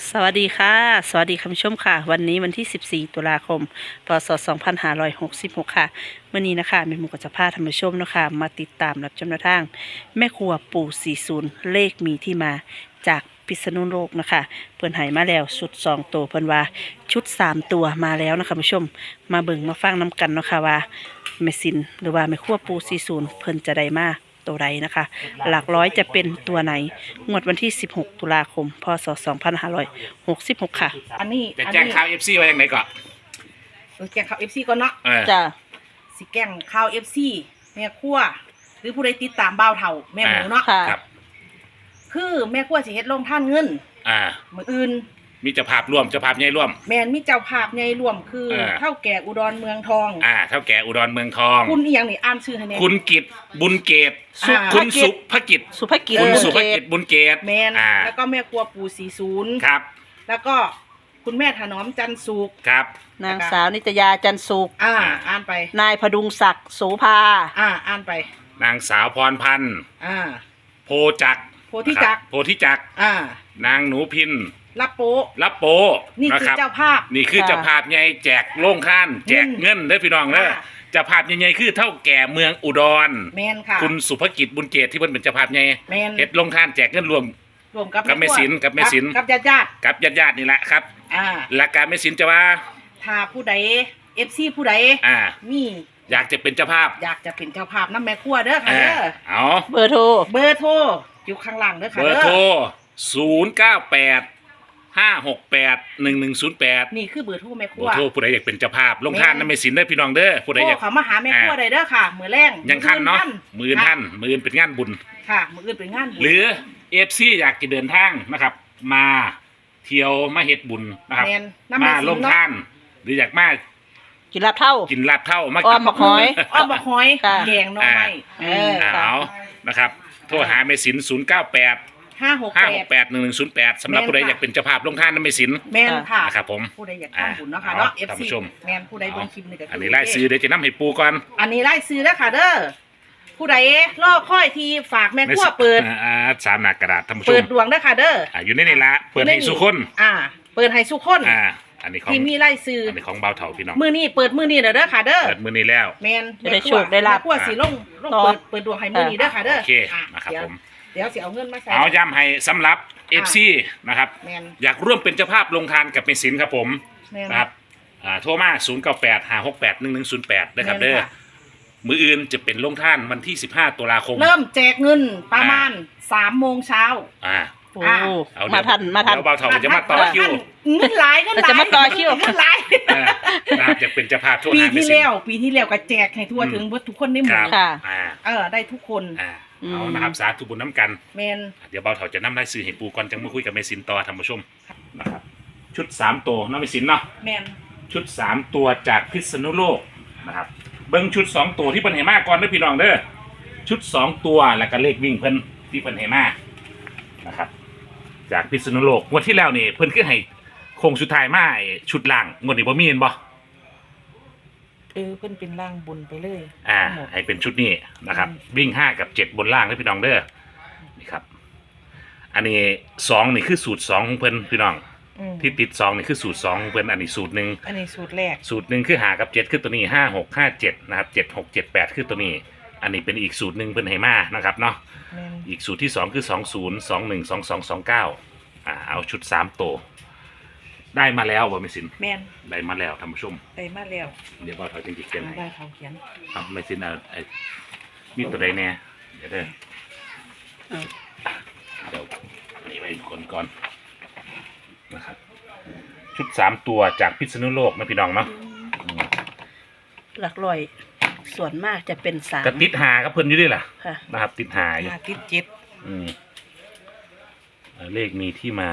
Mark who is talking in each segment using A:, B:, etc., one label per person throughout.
A: สวัสดีค่ะสวัสดีคุณผู้ชมค่ะวันนี้วันที่14ตุลาคมพศ2566ค่ะวันนี้นะคะแม่หมูก็จะพาท่านผู้ชมนะคะมาติดตามรับชมแนวทางแม่ครัวปู่40เลขมีที่มาจากพิษณุโลกนะคะเพิ่นให้มาแล้วชุด2ตัวเพิ่นว่าชุด3ตัวมาแล้วนะคะคุณผู้ชมมาเบิ่งมาฟังน้ำกันเนาะค่ะว่าแม่สินหรือว่าแม่ครัวปู่40เพิ่นจะได้มาตัวใดนะคะหลักร้อยจะเป็นตัวไหนงวดวันที่16ตุลาคมพศ2566ค่ะ
B: อันนี้
C: จะแจ้งข่าวเอฟซีไว้ยังไงก่อน
B: แจ้งข่าว FC ก่อนเนาะ
A: จ้ะ
B: สิแจ้งข่าว FC แม่ครัวหรือผู้ใดติดตามบ่าวเฒ่าแม่หมูเนาะ
A: ค่ะ
B: คือแม่ครัวสิเฮ็ดลงท่านเงินมื้ออื่น
C: มีเจ้าภาพร่วมเจ้าภาพใหญ่ร่วม
B: แม่นมีเจ้าภาพใหญ่ร่วมคือเฒ่าแก่อุดรเมืองทอง
C: เท่าแก่อุดรเมืองทอง
B: คุณอีหยังนี่อ่านชื่อให้แน่
C: คุณกิตบุญเกตคุณสุภกิจคุณสุภกิจบุญเกต
B: แม่นแล้วก็แม่ครัวปู่40
C: ครับ
B: แล้วก็คุณแม่ถนอมจันสุข
C: ครับ
A: นางสาวนิตยาจันสุข
B: อ่านไป
A: นายพดุงศักดิ์โสภา
B: อ่านไป
C: นางสาวพรพันธ์โพธิจักรนางหนูพิน
B: รับโปนี่คือเจ้าภาพ
C: นี่คือเจ้าภาพใหญ่แจกโล่งข้านแจกเงินเด้อพี่น้องเด้อเจ้าภาพใหญ่ๆคือเท่าแก่เมืองอุดร
B: แม่นค่ะ
C: คุณสุภกิจบุญเกตที่เพิ่นเป็นเจ้าภาพใหญ่เฮ็ดโล่งข้านแจกเงินรวม
B: กับ
C: แม่ศิล
B: กับ
C: ญาตินี่แหละครับหลักการแม่ศิลจะว่า
B: ถ้าผู้ใด FC ผู้ใดมี
C: อยากจะเป็นเจ้าภาพ
B: น้ำแม่ครัวเด้อค่ะเด้อ
C: เอา
A: เบอร์โทร
B: อยู่ข้างล่างเด้อค่ะ
C: เบอร์โทร098 568 1108
B: นี่คือเบอร์โทรแม่ครัว
C: โทรผู้ใดอยากเป็นเจ้าภาพลงท่านน้ำแม่ศิลได้พี่น้องเด้อผู้ใดอยาก
B: เขามาหาแม่ครัวได้เด้อค่ะมื้อแรง
C: ยังทันเนาะมื้อเป็นงานบุญ
B: ค่ะมื้ออื่นเป็นงานบุญ
C: หรือ FC อยากจะเดินทางนะครับมาเที่ยวมาเฮ็ดบุญนะครับมาลงท่านหรืออยากมา
A: กินลาบเท่า
C: มา
A: อ้อมบักหอย
B: แกงน้อย
C: เอานะครับโทรหาแม่ศิล098 568 1108สำหรับผู้ใดอยากเป็นเจ้าภาพลงท่านน้ำแม่ศิล
B: แม่นค่ะ
C: นะครับผม
B: ผู้ใดอยากทำบุญเนาะค่ะเนาะ FC แม่นผู้ใดเบิ่งคลิปนี่ก็
C: อันนี้ไล่ซื้อเดี๋ยวจะนำให้ปูก่อน
B: อันนี้ไล่ซื้อแล้วค่ะเด้อผู้ใดรอค่อยทีฝากแม่ครัวเปิด
C: 3 หน้ากระดาษท่านผู้ชม
B: เปิดดวงเด้อค่ะเด้อ
C: อยู่ในนี่ละเปิดให้สุคน
B: เปิดให้สุคน
C: อันนี้ของ
B: ที่มีไล่ซื้อ
C: อันนี้ของเบาเถาพี่น้อง
B: มื้อนี้เปิดมื้อนี้เด้อค่ะเด้อ
C: เปิดมื้อนี้แล้ว
B: แม่น
A: ได้โชคได้ลาภ
B: แม่ครัวสิลงเปิดดวงให้มื้อนี้เด้อค่ะเด้อ
C: โอเคนะครับผม
B: เดี๋ยวสิเอาเงินมาใส่
C: เอาย้ำให้สำหรับ FC นะครับอยากร่วมเป็นเจ้าภาพลงทานกับแม่ศิลครับผมนะครับโทรมา098 568 1108นะครับเด้อมื้ออื่นจะเป็นลงท่านวันที่15ตุลาคม
B: เริ่มแจกเงินประมาณ 3 โมงเช้า
A: มาทัน
C: เดี๋ยวเบาเถาจะมาต่อคิว
B: เงินหลาย
A: จะมาต่อคิว
B: เงินหลาย
C: จะเป็นเจ้าภาพ
B: ปีที่แล้วก็แจกให้ทั่วถึงทุกคนในหมู่ได้ทุกคน
C: เอานะครับสาธุบุญน้ำกัน
B: แมน
C: เดี๋ยวเบาเถาจะนำรายชื่อให้ปูก่อนจังมาคุยกับแม่ศิลต่อท่านผู้ชมนะครับชุด3ตัวน้ำแม่ศิลเนาะ
B: แมน
C: ชุด3ตัวจากพิษณุโลกนะครับเบิ้งชุด2ตัวที่เพิ่นให้มาก่อนเด้อพี่น้องเด้อชุด2ตัวแล้วก็เลขวิ่งเพิ่นที่เพิ่นให้มานะครับจากพิษณุโลกงวดที่แล้วนี่เพิ่นคือให้โค้งสุดท้ายมาชุดล่างงวดนี้บ่มีเห็นบ่
B: เพิ่นเป็นล่างบนไปเลย
C: ให้เป็นชุดนี้นะครับวิ่ง5กับ7บนล่างเด้อพี่น้องเด้อนี่ครับอันนี้2นี่คือสูตร2ของเพิ่นพี่น้องที่ติด2นี่คือสูตร2ของเพิ่นอันนี้สูตร1
B: อันนี้สูตรแรก
C: สูตร1คือ5กับ7คือตัวนี้5 6 5 7นะครับ7 6 7 8คือตัวนี้อันนี้เป็นอีกสูตร1เพิ่นให้มานะครับเนาะอีกสูตรที่2คือ20 21 22 29เอาชุด3ตัวได้มาแล้วบ่แม่ศิลป์ได้มาแล้วท่านผู้ชม
B: ได้มาแล้ว
C: เดี๋ยวบ่าวเถาจริงๆเขียนให้
B: ได้เขาเขียน
C: แม่ศิลป์มีตัวใดแน่เดี๋ยวนี่ไปคนก่อนนะครับชุด3ตัวจากพิษณุโลกนะพี่น้องเนาะ
A: หลักร้อยส่วนมากจะเป็น3
C: กระติดหากับเพิ่นอยู่ด้วยล่ะนะครับติดหาอยู่
B: ติด
C: 7เลขมีที่มา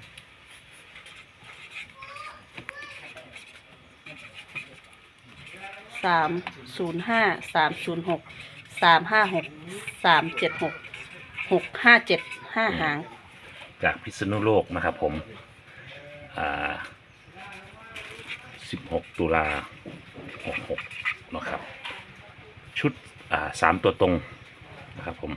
A: 305 306 356 376 657 5หาง
C: จากพิษณุโลกนะครับผม16ตุลา66นะครับชุด3ตัวตรงนะครับผม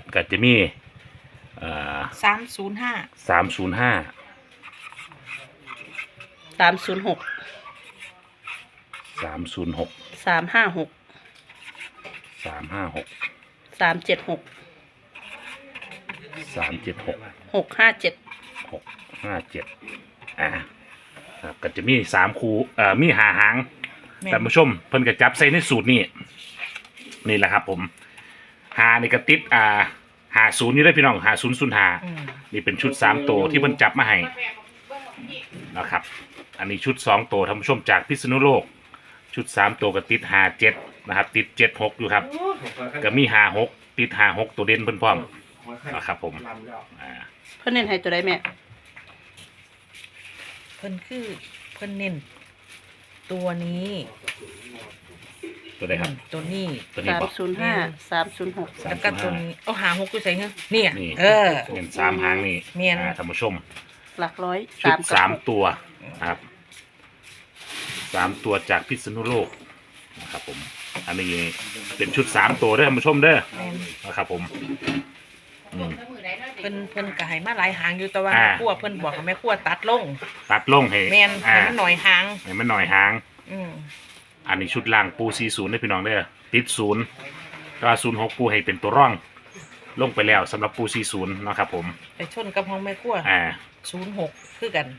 C: ก็จะมี
B: 305
C: 305
A: 306
C: 306
A: 356
C: 356
A: 376
C: 376
A: 657
C: 657ครับก็จะมี3คู่มี5หาง
B: แม่น
C: ท่านผู้ชมเพิ่นก็จับใส่ในสูตรนี่นี่แหละครับผมหานี่ก็ติด50อยู่ได้อพี่น้อง5005
B: อืม
C: นี่เป็นชุด3ตัวที่เพิ่นจับมาให้นะครับอันนี้ชุด2ตัวท่านผู้ชมจากพิษณุโลกชุด3ตัวก็ติด57นะครับติด76อยู่ครับก็มี56ติด56ตัวเด่นเพิ่นพร้อมนะครับผม
A: เพิ่นเน้นให้ตัวใดแม่
B: เพิ่นเน้นตัวนี้
C: ตัวใดครับ
B: ตัวนี้
C: ตัวนี้บ่
A: 305 306
B: แล้วก็ตัวนี้เอาหา6อยู่ใส่เงี้ยเนี่ย
C: นี่
B: เออ
C: เป็น3หางนี่
B: แม่น
C: ท่านผู้ชม
A: หลักร้อย
C: ชุด
A: 3กับ
C: 3ตัวครับ3ตัวจากพิษณุโลกนะครับผมอันนี้เป็นชุด3ตัวเด้อท่านผู้ชมเด้อ
B: แม่น
C: นะครับผมอืม
B: เพิ่นก็ให้มาหลายหางอยู่แต่ว่า
C: อ่า
B: แม่ครัวเพิ่นบอกให้แม่ครัวตัดลง
C: ตัดลงให้
B: แม่นให้มันหน่อยหาง
C: ให้มันหน่อยหาง
B: อืม
C: อันนี้ชุดล่างปู40ได้อพี่น้องเด้อติด0ก็06ปูให้เป็นตัวร่อง ลงไปแล้วสำหรับปู40นะครับผม
B: ไปชนกับห้องแม่ครัว 06คือกัน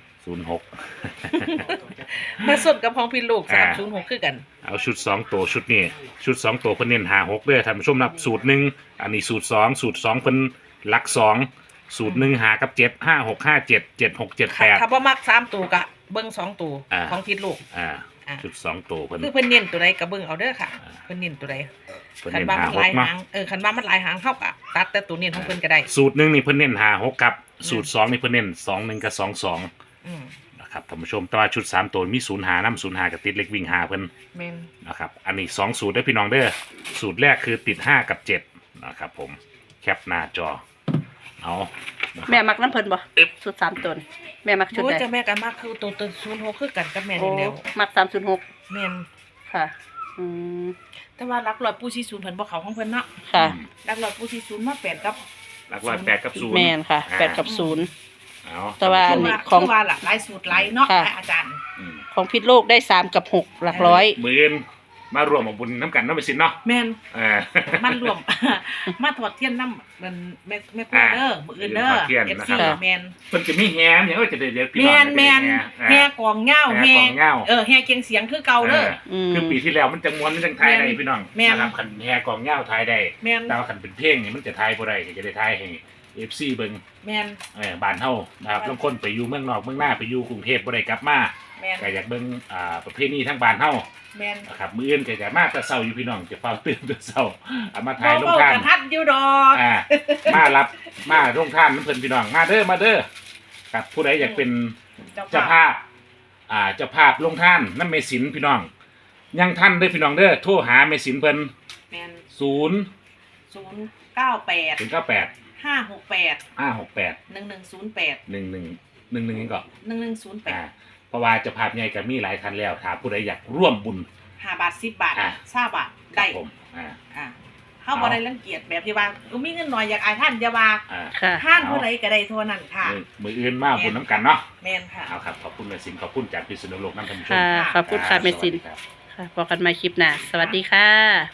C: 06
B: มาชนกับห้องพี่ลูก
C: อ่า
B: 306คือกัน
C: เอาชุด2ตัวชุดนี้ชุด2ตัวเพิ่นเน้น56เด้อท่านผู้ชมนับสูตร1อันนี้สูตร2สูตร2เพิ่นหลัก2สูตร1หากับ7 5 6 5 7 7 6 7
B: ถ้า
C: 8
B: บ่มัก3ตัวก็เบิ่ง2ตัว
C: อ่า
B: ของพี่ลูก
C: อ่า
B: อ่า
C: ชุด2ตัวเพิ่น
B: คือเพิ่นเน้นตัวใดก็เบิ่งเอาเด้อค่ะเพิ่นเน้นตัวใด
C: เพิ่น
B: คัน
C: เน้น
B: ว่ามันหลาย
C: 56เนาะ
B: หางคันว่ามันหลายหางเฮาก็ตัดแต่ตัวเน้นของเพิ่นก็ได้
C: สูตร1นี่เพิ่นเน้น56ครับสูตร2นี่เพิ่นเน้น21กับ22
B: อืม
C: นะครับท่านผู้ชมแต่ว่าชุด3ตัวมี0หานำ0หากับติดเล็กวิ่งหาเพิ่น
B: แม่น
C: นะครับอันนี้2สูตรได้อพี่น้องเด้อสูตรแรกคือติด5กับ7นะครับผมแคปหน้าจอเอานะครับ
A: แม่มักน้ำเพิ่นบ่สุด3ตัวนี่แม่มักชุด
B: โอ้ย
A: ใด
B: เจ้าแม่ก็มักคือตัว06คือกันกับแม่
A: โอ้
B: นี่แล้ว
A: มัก306
B: แม่น
A: ค่ะอืม
B: แต่ว่าหลักร้อยปูชีศูนย์เพิ่นบ่เข้าของเพิ่นเนาะ
A: ค่ะ
B: หลักร้อยปูชีศูนย์มา8กับ
C: หลักร้อย8กับ0
A: แม่นค่ะ
C: อ่า
A: 8กับ0
C: เอา
A: แต่ว่า
C: ท่น
A: อัน
C: ผู้ชม
A: นี้
B: ของว่าหลายสูตรหลายเนาะ
A: ค่ะ
B: อาจารย์
C: อืม
A: ของพิษโลกได้3กับ6หลักร้อย
C: มื้ออื่นมารวมเอาบุญน้ำกันเนาะไปสินเนาะ
B: แม่น
C: เออ
B: มันรวม มาถอดเทียนน้ำมันแม่ครัวเด้อมื้ออื่นเด้อ
C: ถอดเทียนนะ
B: FC
C: ครับ
B: แม่น
C: เพิ่นจะมีแฮมอย่างก็จะได้เดี๋ยวพี่น้
B: แม่
C: อง
B: นแม่น
C: แฮ
B: แห่กองเหง้า
C: แฮ
B: แห่
C: กองเหง้า
B: แห่เกียงเสียงคือเก่าเด้อ
A: อืม
C: คือปีที่แล้วมันจะม้วนมันจังทายได้พี่น้อง
B: แม่น
C: นะครับคันแฮกองเหง้าทายได้
B: แม่น
C: แต่ว่าคันเป็นเพลงนี่มันจะทายบ่ได้ก็จะได้ทายให้ FC เบิ่ง
B: แม่น
C: บ้านเฮานะครับบางคนไปอยู่เมืองนอกเมืองหน้าไปอยู่กรุงเทพบ่ได้กลับมา
B: แม่น
C: ก็อยากเบิ่งประเพณีทั้งบ้านเฮา
B: แม่น
C: นะครับมื้ออื่นก็จะมาแต่เช้าอยู่พี่น้องจะเฝ้าตื่นแต่เช้าเอามา
B: บ่
C: ถ่ายลง
B: เว้า
C: ทาน
B: กันทัดอยู่ดอก
C: มารับมาลงทานน้ำเพิ่นพี่น้องมาเด้อมาเด้อครับผู้ใดอยากเป็นเจ้าภาพเจ้าภาพลงทานน้ำเมสินพี่น้องยังท่านเด้อพี่น้องเด้อโทรหาเมสินเพิ่น
B: แม่น
C: 0
B: 098
C: ถึง98
B: 568
C: 568
B: 1108
C: 11นี่ก็
B: 1108
C: เพราะว่าเจ้าภาพใหญ่ก็มีหลายท่านแล้วถ้าผู้ใดอยากร่วมบุญ
B: 5 บาท 10 บาท
C: อ่า
B: 20 บาท
C: ครั
B: ได้
C: บผม
B: เฮาบ่ได้รังเกียจแบบที่ว่ามีเงินน้อยอยากอายท่านอย่าว่า
A: ค่ะ
B: ท่านผู้ใดก็ได้เท่านั้นค่ะ
C: มืออื่นมาบุญน้ำกันเนาะ
B: แม่นค่ะ
C: เอาครับขอบคุณเมสินขอบคุณจากพิษณุโลกน้ำท่านผู้ชม
A: ค่ะ ขอบคุณค่ะเมสิน
C: สวัสดีรับ
A: ค่ะพบกันใหม่คลิปหน้า สวัสดีค่ะ